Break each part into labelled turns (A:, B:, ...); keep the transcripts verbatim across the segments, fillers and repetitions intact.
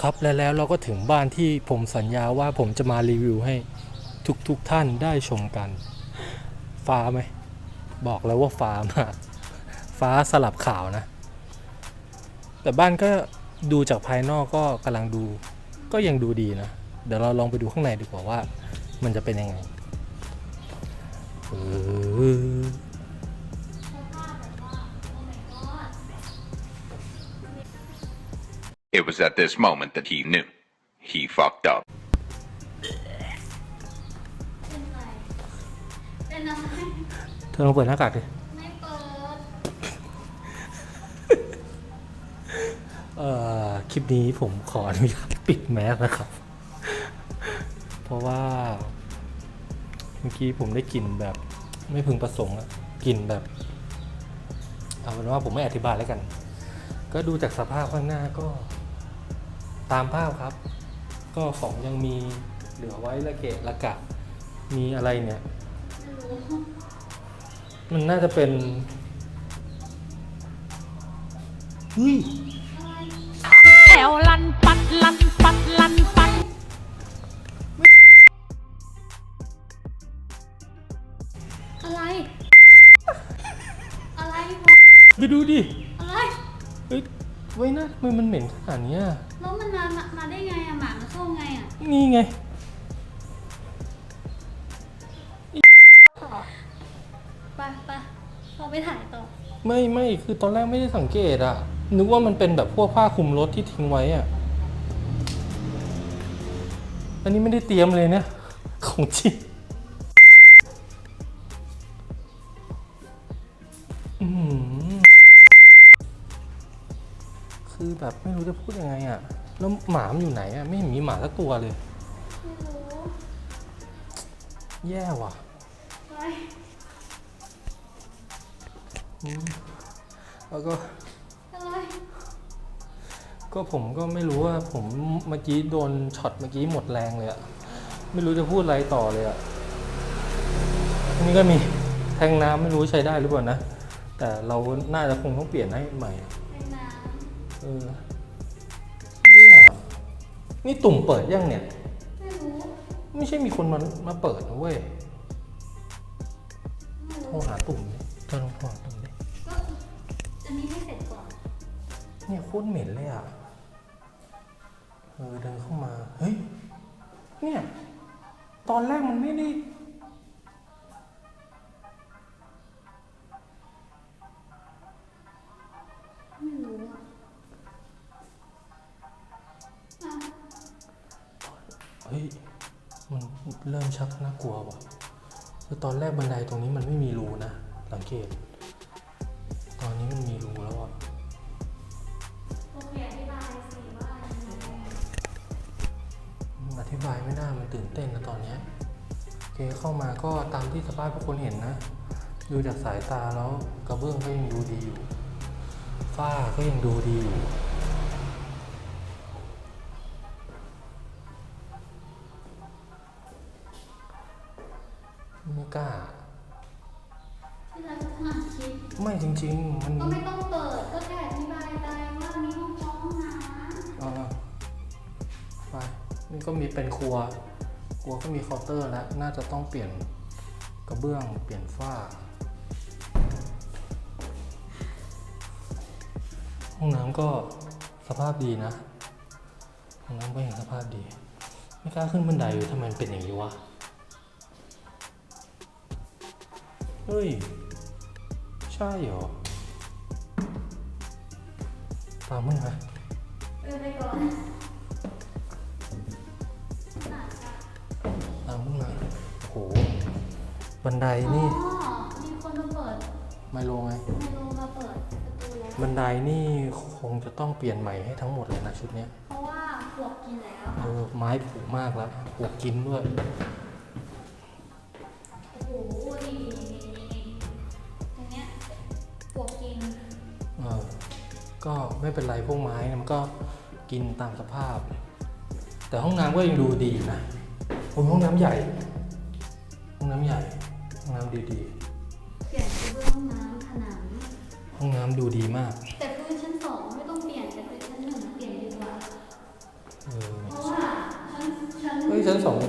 A: ครับและแล้วเราก็ถึงบ้านที่ผมสัญญาว่าผมจะมารีวิวให้ทุกๆท่านได้ชมกันฟ้าไหมบอกแล้วว่าฟ้ามากฟ้าสลับขาวนะแต่บ้านก็ดูจากภายนอกก็กำลังดูก็ยังดูดีนะเดี๋ยวเราลองไปดูข้างในดีกว่าว่ามันจะเป็นยังไงเออ
B: It was at this moment that he knew. He fucked up.
C: เป็นอะไร
A: เธอลองเปิดหน้ากากดิ
C: ไม่เปิด
A: เอ่อคลิปนี้ผมขออนุญาตปิดแมสนะครับ เพราะว่าเมื่อกี้ผมได้กลิ่นแบบไม่พึงประสงค์อะกลิ่นแบบเอาเป็นว่าผมไม่อธิบายแล้วกัน ก็ดูจากสภาพข้างหน้าก็ตามภาพครับ ก็ของยังมีเหลือไว้ละเกะละกะมีอะไรเนี่ย
C: ไม่รู้
A: มันน่าจะเป็นเฮ้ย
D: แอวลันปัดลันปัดลันปัด
C: อะไร อะไร
A: ไปดูดิ
C: อะไร
A: เฮ้ยไว้นะทำไมมันเหม็นขนาดเนี้ย
C: แล้วมันมามามาได้ไงอะหมามันเข้าไงอะ
A: นี่ไง
C: ไปไปเราไปถ่ายต่อ
A: ไม่ไม่คือตอนแรกไม่ได้สังเกตอะนึกว่ามันเป็นแบบพวกผ้าคลุมรถที่ทิ้งไว้อะอันนี้ไม่ได้เตรียมเลยเนี่ย ของจริงอื้อหือคือแบบไม่รู้จะพูดยังไงอะแล้วหมามันอยู่ไหนอะไม่เห็นมีหมาสักตัวเลย
C: ไม่รู้
A: แย่ว่ะ
C: ไป
A: อืมแล้วก็
C: อะไร
A: ก็ผมก็ไม่รู้ว่าผมเมื่อกี้โดนช็อตเมื่อกี้หมดแรงเลยอะไม่รู้จะพูดอะไรต่อเลยอะอันนี้ก็มีแทงน้ำไม่รู้ใช้ได้หรือเปล่านะ แต่เราน่าจะคงต้องเปลี่ยนให้ใหม่
C: ในน้
A: เออเนี่ยนี่ตุ่มเปิดยังเนี่ย
C: ำไม่รู้
A: ไม่ใช่มีคนมามาเปิดนะเว้ย
C: ไม่
A: โทร
C: รู้
A: หาตุ่มดิเธอลองโทรหาตุ่มดิ
C: ก็อันนี้ให้เสร็จก่อน
A: เนี่ยโคตรเหม็นเลยอะเออเดินเข้ามาเฮ้ยเนี่ยตอนแรกมันไม่ได้
C: ไม่รู้อะอ่ะ
A: เฮ้ย มันเริ่มชักน่ากลัวว่ะคือตอนแรกบันไดตรงนี้มันไม่มีรูนะ สังเกต ตอนนี้มันมีรูแล้วอ่ะ
C: โอเคอธิบายสิว่ายังไง
A: อธิบายไม่ได้มันตื่นเต้นนะตอนเนี้ยโอเคเข้ามาก็ตามที่สภาพทุกคนเห็นนะ ดูจากสายตาแล้วกระเบื้องก็ยังดูดีอยู่ ฝ้าก็ยังดูดีอยู่ ไม่กล้า
C: ที่เราจะอ่านคลิป
A: ไม่จริงๆ มัน
C: ก็ไม่ต้องเปิดก็แค่อธิบายไปว่ามีห้องน้องน้ำ
A: อ่าไปนี่ก็มีเป็นครัว ครัวก็มีเคาน์เตอร์แล้ว น่าจะต้องเปลี่ยนกระเบื้อง เปลี่ยนฝ้า ห้องน้ำก็สภาพดีนะ ห้องน้ำก็ยังสภาพดี ไม่กล้าขึ้นบันไดเลยทำไมมันเป็นอย่างนี้วะ เฮ้ย ใช่เหรอ ตามมึงไหม
C: เออไปก่อน
A: ตามมึงมาโอ้โห บันไดนี่
C: อ๋อมีคนมาเปิด
A: ไมโลไง
C: ไมโลมาเปิดประตูแล้ว
A: บันไดนี่คงจะต้องเปลี่ยนใหม่ให้ทั้งหมดเลยนะชุดเนี้ย
C: เพราะว่าปลวกกินแล้ว
A: เออไม้ผุมากแล้วปวกกินด้วย
C: โอ้โหนี่นี่นี่นี่ตรงเนี้ยปลวกกิน
A: เออก็ไม่เป็นไรพวกไม้เนี่ยมันก็กินตามสภาพ แต่ห้องน้ำก็ยังดูดีนะโอ้ยห้องน้ำใหญ่ ห้องน้ำใหญ่ ห้องน้ำดีดี
C: เปลี่ยนกระเบื้องห้องน้ำผนัง
A: ๆห้องน้ำดูดีมาก
C: แต่พื้นชั้นสองไม่ต้องเปลี่ยนแต่พื้นชั้นหนึ่งเปลี่ยนดีกว่า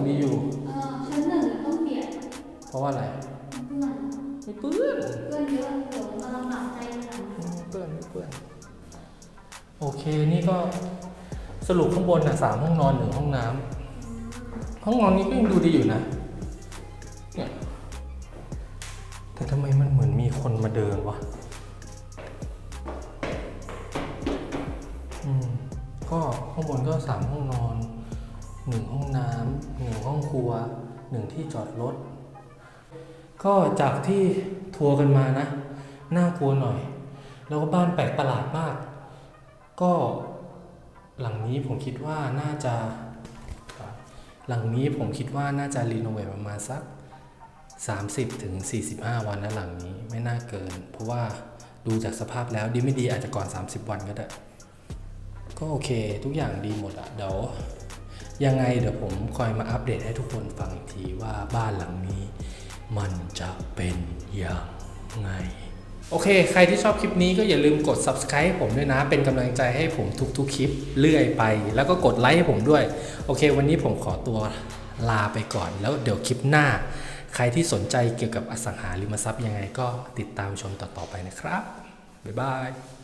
A: ดีอยู่
C: เออชั้นหนึ่งต้องเปลี่ยน
A: เพราะว่าอะไร
C: เพื่อน
A: ไม่เปื้อน
C: เพื่อนเยอะเดี๋ยวมาลำบากใจทีหลัง
A: ไม่เปื้อนไม่เปื้อนโอเคนี่ก็สรุปข้างบนอ่ะสามห้องนอนหนึ่งห้องน้ำห้องนอนนี้ก็ยังดูดีอยู่นะเนี่ยแต่ทำไมมันเหมือนมีคนมาเดินวะอืมก็ข้างบนก็สามห้องนอนหนึ่งห้องน้ำหนึ่งห้องครัวหนึ่งที่จอดรถก็จากที่ทัวร์กันมานะน่ากลัวหน่อยแล้วก็บ้านแปลกประหลาดมากก็หลังนี้ผมคิดว่าน่าจะหลังนี้ผมคิดว่าน่าจะรีโนเวทประมาณสักสามสิบถึงสี่สิบห้าวันนะหลังนี้ไม่น่าเกินเพราะว่าดูจากสภาพแล้วดีไม่ดีอาจจะก่อนสามสิบวันก็ได้ก็โอเคทุกอย่างดีหมดอะเดี๋ยวยังไงเดี๋ยวผมคอยมาอัปเดตให้ทุกคนฟังอีกทีว่าบ้านหลังนี้มันจะเป็นอย่างไงโอเคใครที่ชอบคลิปนี้ก็อย่าลืมกด ซับสไครบ์ ให้ผมด้วยนะเป็นกำลังใจให้ผมทุกๆคลิปเรื่อยไปแล้วก็กดไลค์ให้ผมด้วยโอเควันนี้ผมขอตัวลาไปก่อนแล้วเดี๋ยวคลิปหน้าใครที่สนใจเกี่ยวกับอสังหาริมทรัพย์ยังไงก็ติดตามชมต่อๆไปนะครับบ๊ายบาย